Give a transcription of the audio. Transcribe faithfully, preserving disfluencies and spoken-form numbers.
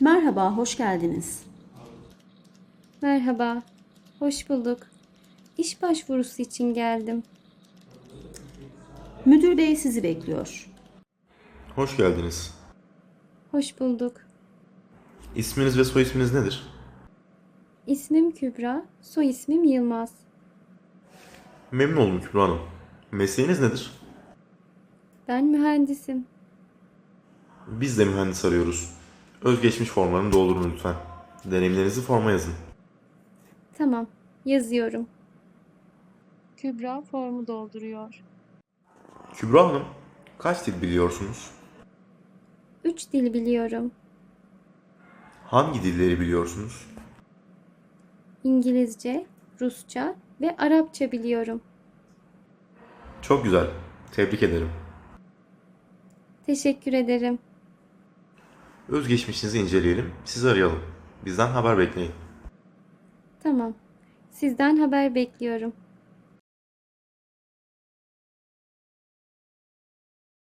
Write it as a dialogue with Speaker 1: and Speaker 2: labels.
Speaker 1: Merhaba, hoş geldiniz.
Speaker 2: Merhaba, hoş bulduk. İş başvurusu için geldim.
Speaker 1: Müdür bey sizi bekliyor.
Speaker 3: Hoş geldiniz.
Speaker 2: Hoş bulduk.
Speaker 3: İsminiz ve soy isminiz nedir?
Speaker 2: İsmim Kübra, soy ismim Yılmaz.
Speaker 3: Memnun oldum Kübra Hanım. Mesleğiniz nedir?
Speaker 2: Ben mühendisim.
Speaker 3: Biz de mühendis arıyoruz. Özgeçmiş formlarını doldurun lütfen. Deneyimlerinizi forma yazın.
Speaker 2: Tamam, yazıyorum. Kübra formu dolduruyor.
Speaker 3: Kübra Hanım, kaç dil biliyorsunuz?
Speaker 2: Üç dil biliyorum.
Speaker 3: Hangi dilleri biliyorsunuz?
Speaker 2: İngilizce, Rusça ve Arapça biliyorum.
Speaker 3: Çok güzel. Tebrik ederim.
Speaker 2: Teşekkür ederim.
Speaker 3: Özgeçmişinizi inceleyelim. Sizi arayalım. Bizden haber bekleyin.
Speaker 2: Tamam, sizden haber bekliyorum.